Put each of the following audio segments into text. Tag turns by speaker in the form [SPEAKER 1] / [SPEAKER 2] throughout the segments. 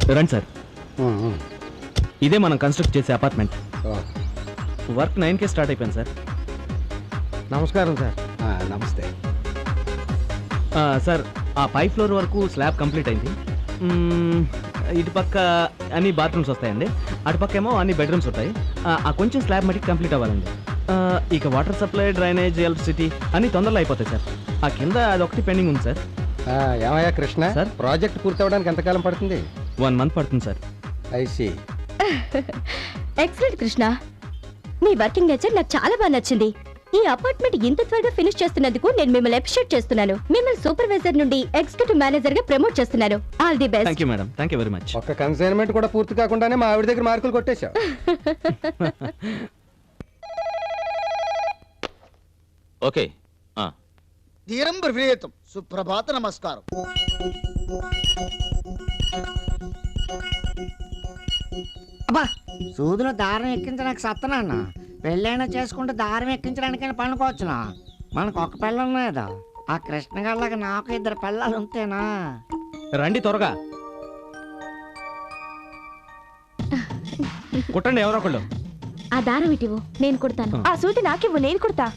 [SPEAKER 1] రండి సార్. ఇదే మనం కన్స్ట్రక్ట్ చేసే అపార్ట్మెంట్. వర్క్ 9కే స్టార్ట్ అయిపోయింది సార్.
[SPEAKER 2] నమస్కారం సార్.
[SPEAKER 3] నమస్తే
[SPEAKER 1] సార్, ఆ పై ఫ్లోర్ వరకు స్లాబ్ కంప్లీట్ అయింది. ఇటు పక్క అన్ని బాత్రూమ్స్ వస్తాయండి, అటుపక్క ఏమో అన్ని బెడ్రూమ్స్ ఉంటాయి. ఆ కొంచెం స్లాబ్ మటుకు కంప్లీట్ అవ్వాలండి. ఇక వాటర్ సప్లై, డ్రైనేజ్, ఎలక్ట్రిసిటీ అన్ని తొందరలో అయిపోతాయి సార్. ఆ కింద అదొకటి పెండింగ్ ఉంది సార్.
[SPEAKER 2] ఏమయ్యా కృష్ణ
[SPEAKER 1] సార్,
[SPEAKER 2] ప్రాజెక్ట్ పూర్తి అవడానికి ఎంతకాలం పడుతుంది?
[SPEAKER 1] 1 మంత్ పడుతుంది సార్.
[SPEAKER 2] ఐసి.
[SPEAKER 4] ఎక్సలెంట్ కృష్ణ, నీ వర్కింగ్ నేచర్ నాకు చాలా బాగా నచ్చింది. ఈ అపార్ట్మెంట్ ఇంత త్వరగా ఫినిష్ చేస్తున్నందుకు నేను మిమ్మల్ని అప్రిషియేట్ చేస్తున్నాను. మిమ్మల్ని సూపర్వైజర్ నుండి ఎగ్జిక్యూటివ్ మేనేజర్ గా ప్రమోట్ చేస్తున్నాను. All the best.
[SPEAKER 1] Thank you madam, thank you very much.
[SPEAKER 2] ఒక్క కన్సైన్మెంట్ కూడా పూర్తి కాకుండానే మా ఆవిడ దగ్గర మార్కులు కొట్టేశావు.
[SPEAKER 1] ఓకే.
[SPEAKER 3] ధీరం బ్రవీతం. సుప్రభాత నమస్కారం.
[SPEAKER 5] అబ్బా, సూదులో దారం ఎక్కించడానికి సత్తనాన్న. పెళ్ళైనా చేసుకుంటే దారం ఎక్కించడానికైనా పనుకోవచ్చునా? మనకు ఒక పిల్ల ఉన్నదా? ఆ కృష్ణ గారిలాగా నాకు 2 పిల్లలు ఉంటేనా?
[SPEAKER 1] రండి త్వరగా కుట్టండి ఎవరో ఒకళ్ళు.
[SPEAKER 4] ఆ దారం ఇటివు, నేను కుడతాను. ఆ సూటి నాకివ్వు, నేను కుడతా.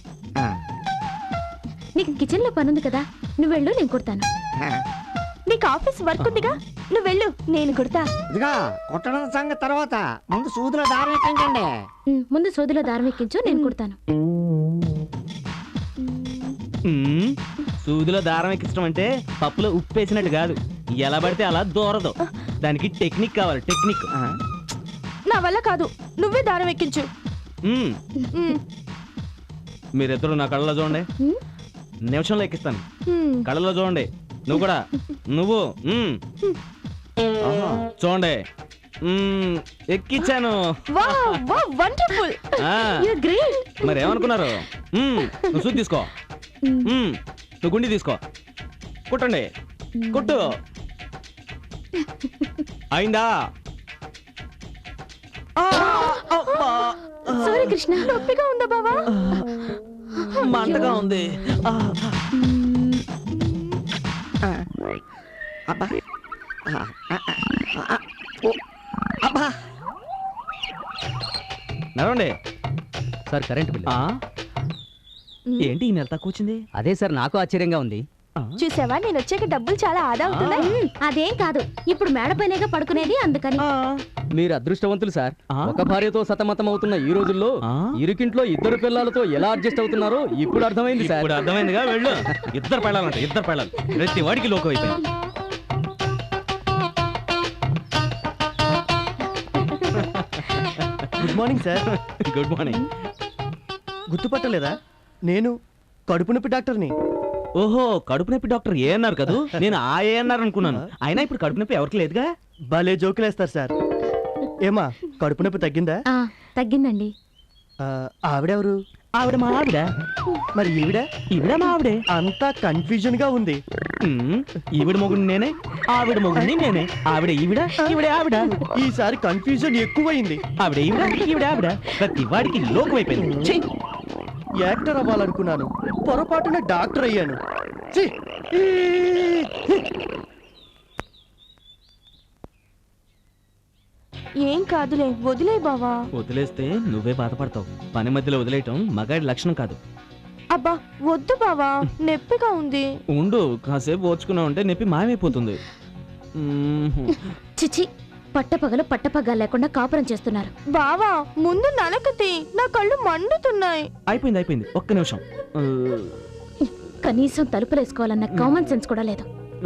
[SPEAKER 4] నీకు కిచెన్ లో పనుంది కదా, నువ్వు వెళ్ళు, నేను కుడతాను. నీకు ఆఫీస్ వర్క్ ఉందిగా, నువ్వు వెళ్ళు, నేను కుడతా.
[SPEAKER 5] ఇదిగా కుట్టడం సంగతి తర్వాత, ముందు సూదులో దారం ఎక్కించండి.
[SPEAKER 4] ముందు సూదిలో దారం ఎక్కించు, నేను కుడతాను.
[SPEAKER 1] సూదిలో దారం ఎక్కించడం అంటే పప్పులో ఉప్పు వేసినట్టు కాదు, ఎలా పడితే అలా దూరదు. దానికి టెక్నిక్ కావాలి, టెక్నిక్.
[SPEAKER 4] నా వల్ల కాదు, నువ్వే దారం ఎక్కించు.
[SPEAKER 1] మీరిద్దరు నా కళ్ళలో చూడండి, నిమిషంలో ఎక్కిస్తాను. కళ్ళలో చూడండి, నువ్వు కూడా, నువ్వు చూడండి. ఎక్కించాను. మరి ఏమనుకున్నారు? నువ్వు సూది తీసుకో, నువ్వు గుండి తీసుకో, కుట్టండి, కుట్టు. అయిందా?
[SPEAKER 4] సారీ కృష్ణ, నొప్పిగా ఉందా బావా?
[SPEAKER 1] మంటగా ఉంది.
[SPEAKER 5] అబ్బా అబ్బా,
[SPEAKER 1] నడవండి
[SPEAKER 6] సార్. కరెంట్ బిల్
[SPEAKER 1] ఏంటి ఈ నెల తక్కువ వచ్చింది?
[SPEAKER 6] అదే సార్, నాకు ఆశ్చర్యంగా ఉంది.
[SPEAKER 4] చూసావా, నేను వచ్చాక డబ్బులు చాలా ఆదా అవుతున్నాయి. అదేం కాదు, ఇప్పుడు మేడపైనేగా పడుకునేది, అందుకని.
[SPEAKER 6] మీరు అదృష్టవంతులు సార్. ఒక భార్యతో సతమతం అవుతున్న ఈ రోజుల్లో ఇరుకింట్లో 2 పిల్లలతో ఎలా అడ్జస్ట్ అవుతున్నారో ఇప్పుడు అర్థమైంది సార్.
[SPEAKER 1] ఇప్పుడు అర్థమైందిగా, వెళ్ళు. 2 పిల్లలంట, 2 పిల్లలు. ప్రతి వాడికి లోకం అయిపోయింది.
[SPEAKER 2] Good morning sir.
[SPEAKER 1] Good morning.
[SPEAKER 2] గుర్తుపట్టలేదా? నేను కడుపు నొప్పి డాక్టర్ని.
[SPEAKER 1] ఓహో, కడుపు నొప్పి డాక్టర్ ఏఎన్ఆర్ కదూ? నేను ఆ ఏఎన్ఆర్ అనుకున్నాను. అయినా ఇప్పుడు కడుపు నొప్పి ఎవరికి లేదుగా.
[SPEAKER 2] భలే జోకులేస్తారు సార్. ఏమా, కడుపు నొప్పి తగ్గిందా?
[SPEAKER 4] తగ్గిందండి.
[SPEAKER 2] ఆవిడెవరు?
[SPEAKER 1] ఆవిడ మా ఆవిడ.
[SPEAKER 2] మరి ఈవిడ
[SPEAKER 1] మా ఆవిడే.
[SPEAKER 2] అంతా కన్ఫ్యూజన్ గా ఉంది.
[SPEAKER 1] ఈవిడ మొగుడు నేనే, ఆవిడ మొగుడిని నేనే. ఆవిడ ఈవిడ, ఈవిడ ఆవిడ.
[SPEAKER 2] ఈసారి కన్ఫ్యూజన్ ఎక్కువైంది.
[SPEAKER 1] ఆవిడ ఈవిడ, ఈవిడ ఆవిడ. ప్రతి వాడికి లోకం అయిపోయింది.
[SPEAKER 2] యాక్టర్ అవ్వాలనుకున్నాను, పొరపాటున డాక్టర్ అయ్యాను.
[SPEAKER 4] ఏం కాదులే, వదిలే బావా.
[SPEAKER 1] వదిలేస్తే నువ్వే బాధపడతావు. పని మధ్యలో వదిలేయటం మగాడి లక్షణం కాదు.
[SPEAKER 4] అబ్బా వద్దు బావా, నొప్పిగా ఉంది.
[SPEAKER 1] ఉండు, కాసేపు ఓర్చుకున్నావు అంటే నొప్పి మాయమైపోతుంది.
[SPEAKER 4] చిచి, పట్టపగలు లేకుండా కాపురం చేస్తున్నారు. బావా ముందు నలకతి, నా కళ్ళు మండుతున్నాయి.
[SPEAKER 1] అయిపోయింది, ఒక్క నిమిషం.
[SPEAKER 4] కనీసం తలుపులేసుకోవాలన్న కామన్ సెన్స్ కూడా లేదు.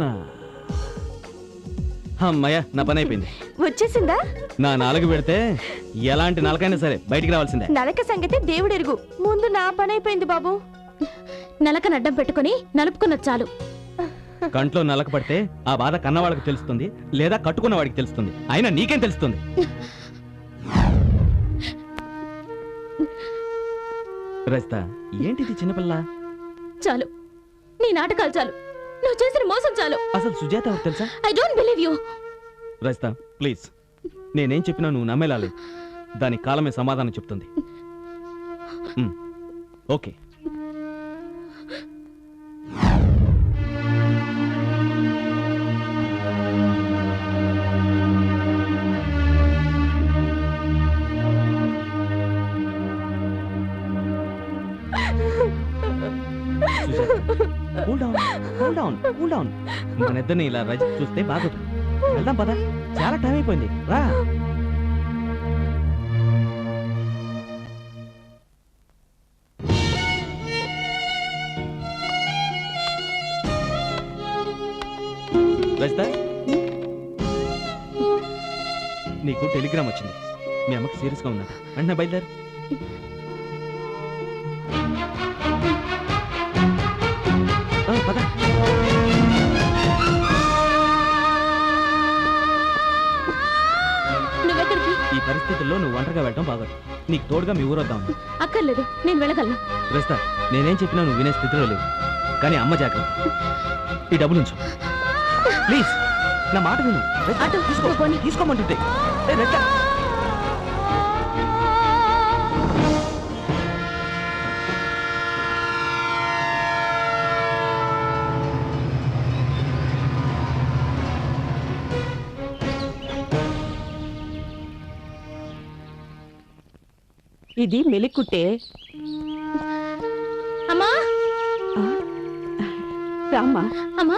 [SPEAKER 1] అమ్మయ్య, నా పని అయిపోయింది.
[SPEAKER 4] వచ్చేసిందా? నా
[SPEAKER 1] నాలుగు పెడితే ఎలాంటి నలకైనా సరే బయటికి రావాల్సిందే.
[SPEAKER 4] నలక సంగతి దేవుడెరుగు, ముందు నా పని అయిపోయింది బాబు. నలకను అడ్డం పెట్టుకుని నలుపుకున్న చాలు.
[SPEAKER 1] కంట్లో నలక పడితే ఆ బాధ కన్నవాళ్ళకి తెలుస్తుంది, లేదా కట్టుకున్న వాడికి తెలుస్తుంది. అయినా నీకేం తెలుస్తుంది? రస్తా, ఏంటిది చిన్నపిల్ల?
[SPEAKER 4] చాలు, నీ నాటకాలు చాలు, నువ్వు చేసిన మోసం చాలు.
[SPEAKER 1] అసలు సుజాత ఎవరు తెలుసా?
[SPEAKER 4] I don't believe you.
[SPEAKER 1] రస్తా ప్లీజ్, నేనేం చెప్పినా నువ్వు నమ్మేలాలి. దాని కాలమే సమాధానం చెప్తుంది. ఓకే. Cool down. మన ఇద్దరిని ఇలా రజిత్ చూస్తే బాగోదు. వెళ్దాం పద, చాలా టైం అయిపోయింది, రా. రజిత, నీకు టెలిగ్రామ్ వచ్చింది. మీ అమ్మకి సీరియస్గా ఉందంట. వెంటనే బయలుదేరు. పద.
[SPEAKER 4] నువ్వెక్కడికి?
[SPEAKER 1] ఈ పరిస్థితుల్లో నువ్వు ఒంటరిగా వెళ్ళడం బాగోదు. నీకు తోడుగా మీ ఊరు వద్దాం.
[SPEAKER 4] అక్కర్లేదు, నేను వెళ్ళగలను.
[SPEAKER 1] రజిత, నేనేం చెప్పినా నువ్వు వినే స్థితిలో లేవు. కానీ అమ్మ జాగ్రత్త. ఈ డబ్బులు ఉంచు ప్లీజ్. నా మాట విను.
[SPEAKER 4] అటు
[SPEAKER 1] తీసుకో,
[SPEAKER 4] పోనీ.
[SPEAKER 1] తీసుకోమంటుంటే. రజిత,
[SPEAKER 7] ఇది మెలికుట్టే.
[SPEAKER 4] అమ్మా,
[SPEAKER 7] రామ్మా.
[SPEAKER 4] అమ్మా,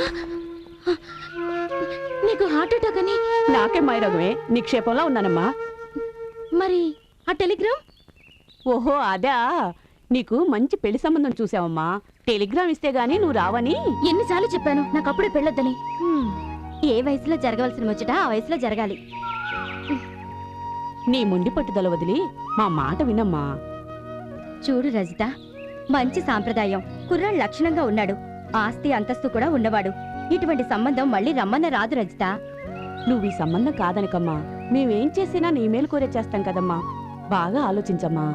[SPEAKER 4] నీకు హార్ట్ అటాక్ అని.
[SPEAKER 7] నాకే మైరగమే, నిక్షేపంలో ఉన్నానమ్మా.
[SPEAKER 4] మరి ఆ టెలిగ్రామ్?
[SPEAKER 7] ఓహో అదా, నీకు మంచి పెళ్లి సంబంధం చూసావమ్మా. టెలిగ్రామ్ ఇస్తే గానీ నువ్వు రావని.
[SPEAKER 4] ఎన్నిసార్లు చెప్పాను నాకు అప్పుడే పెళ్ళొద్దని. ఏ వయసులో జరగవలసిన ముచ్చట ఆ వయసులో జరగాలి.
[SPEAKER 7] నీ మొండి పట్టుదల వదిలి మా మాట వినమ్మా.
[SPEAKER 4] చూడు రజిత, మంచి సాంప్రదాయం, కుర్రాడు లక్షణంగా ఉన్నాడు, ఆస్తి అంతస్తు కూడా ఉన్నవాడు. ఇటువంటి సంబంధం మళ్ళీ రమ్మన్న రాదు రజిత.
[SPEAKER 7] నువ్వు ఈ సంబంధం కాదనకమ్మా. మేమేం చేసినా నీ మేలు కోరే చేస్తాం కదమ్మా. బాగా ఆలోచించమ్మా.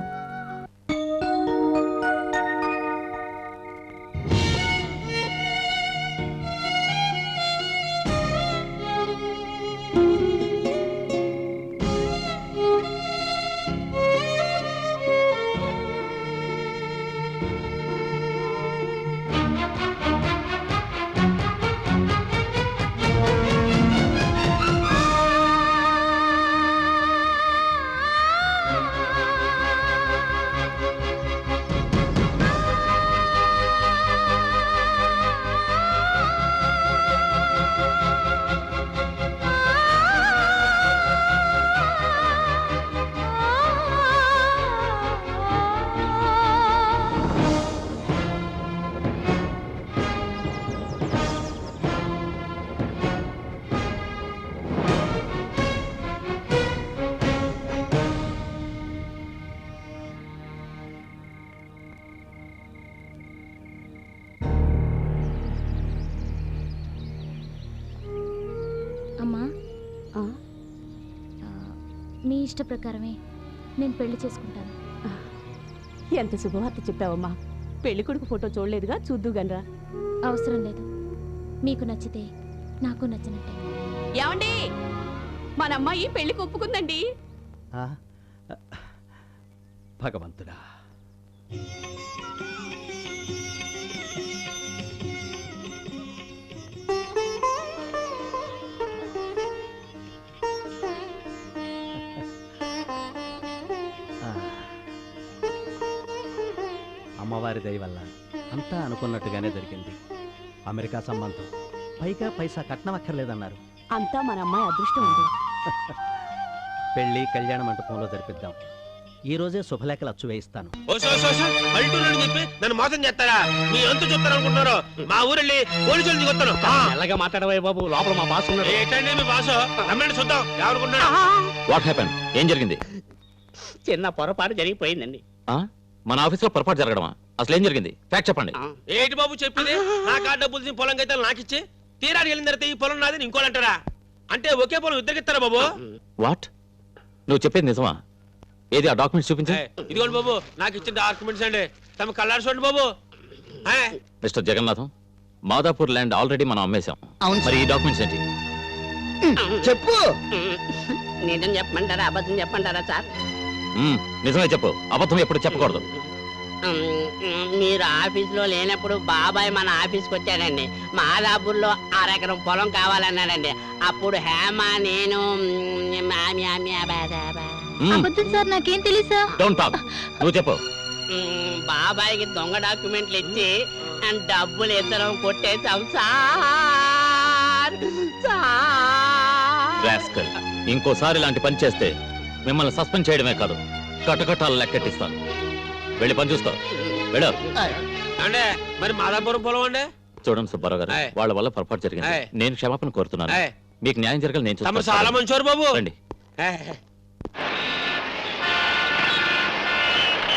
[SPEAKER 4] అమ్మా, మీ ఇష్ట ప్రకారమే నేను పెళ్లి చేసుకుంటాను.
[SPEAKER 7] ఎంత శుభవార్త చెప్పావమ్మా. పెళ్లి కొడుకు ఫోటో చూడలేదుగా, చూద్దుగనరా.
[SPEAKER 4] అవసరం లేదు, మీకు నచ్చితే నాకు నచ్చినట్టే.
[SPEAKER 7] ఏమండి, మన అమ్మాయి పెళ్లికి ఒప్పుకుందండి.
[SPEAKER 2] భగవంతుడా, అమ్మవారి దయ వల్ల అంతా అనుకున్నట్టుగానే జరిగింది. అమెరికా సంబంధం, పైగా పైసా కట్నం అక్కర్లేదన్నారు.
[SPEAKER 7] అంతా మన అమ్మాయి అదృష్టం ఉంది.
[SPEAKER 2] పెళ్లి కళ్యాణ మంటపంలో జరిపిద్దాం. ఈ రోజే శుభలేఖలు అచ్చు వేయిస్తాను.
[SPEAKER 8] నన్ను మోసం చేస్తారా? మీ అంతు చూస్తారు అనుకుంటున్నారు. మా ఊరెళ్ళి పోలీసులు దిగొస్తాను.
[SPEAKER 6] ఎలాగా మాట్లాడవే బాబు, లోపల మా బాస్ ఉన్నాడు.
[SPEAKER 8] ఏంటండి మీ బాసు? రమ్మని చూద్దాం ఎవరుకున్నాడు.
[SPEAKER 9] What happened? ఏం జరిగింది?
[SPEAKER 10] చిన్న పొరపాటు జరిగిపోయిందండి.
[SPEAKER 9] మన ఆఫీస్ లో పొరపాటు జరగడమా? అసలు ఏం జరిగింది? ఫ్యాక్ట్ చెప్పండి.
[SPEAKER 8] ఏంటి బాబు చెప్పింది? నా కార్ డబ్బులు పొలం అయితే నాకిచ్చి తీరాడు వెళ్ళిన తర్వాత ఈ పొలం నాది ఇంకోలంటారా? అంటే ఒకే పొలం ఇద్దరికిస్తారా బాబు?
[SPEAKER 9] వాట్? నువ్వు చెప్పేది నిజమా? ఏది ఆ డాక్యుమెంట్స్ చూపించు.
[SPEAKER 8] ఇదిగోండి బాబు, నాకు ఇచ్చిన డాక్యుమెంట్స్ అండి. తమ కళ్ళారు చూడండి బాబు.
[SPEAKER 9] Mister Jagannatham, Madhapur land already మనం అమ్మేశాం. మరి ఈ డాక్యుమెంట్స్ ఏంటి?
[SPEAKER 3] చెప్పు.
[SPEAKER 10] నిజం చెప్పమంటారా అబద్ధం చెప్పమంటారా సార్?
[SPEAKER 9] నిజమే చెప్పు, అబద్ధం ఎప్పుడు చెప్పకూడదు.
[SPEAKER 10] మీరు ఆఫీసులో లేనప్పుడు బాబాయ్ మన ఆఫీస్కి వచ్చాడండి. మాదాపూర్లో 6 ఎకరం పొలం కావాలన్నాడండి. అప్పుడు హేమ నేను
[SPEAKER 4] అబద్ధం సార్, నాకేం తెలుసా?
[SPEAKER 9] డోంట్ టాక్, నువ్వు చెప్పు.
[SPEAKER 10] బాబాయ్కి దొంగ డాక్యుమెంట్లు ఇచ్చి డబ్బులు ఇద్దరం కొట్టేశాం సార్.
[SPEAKER 9] రాస్కల్, ఇంకోసారి ఇలాంటి పని చేస్తే మిమ్మల్ని సస్పెండ్ చేయడమే కాదు కటకటాలు లెక్కెట్టిస్తాను. వెళ్ళి పని చూస్తావు. వెళ్ళు.
[SPEAKER 8] అంటే మరి మాదాపురం పొలం అండి.
[SPEAKER 9] చూడండి సుబ్బారావు గారు,
[SPEAKER 8] ఆయ్.
[SPEAKER 9] వాళ్ళ వల్ల పొరపాటు జరిగింది.
[SPEAKER 8] ఆయ్.
[SPEAKER 9] నేను క్షమాపణ కోరుతున్నాను.
[SPEAKER 8] ఆయ్.
[SPEAKER 9] మీకు న్యాయం జరగాలి. నేను
[SPEAKER 8] తమ
[SPEAKER 9] చూస్తాను.
[SPEAKER 8] చాలా మంచివారు బాబు.
[SPEAKER 9] రండి.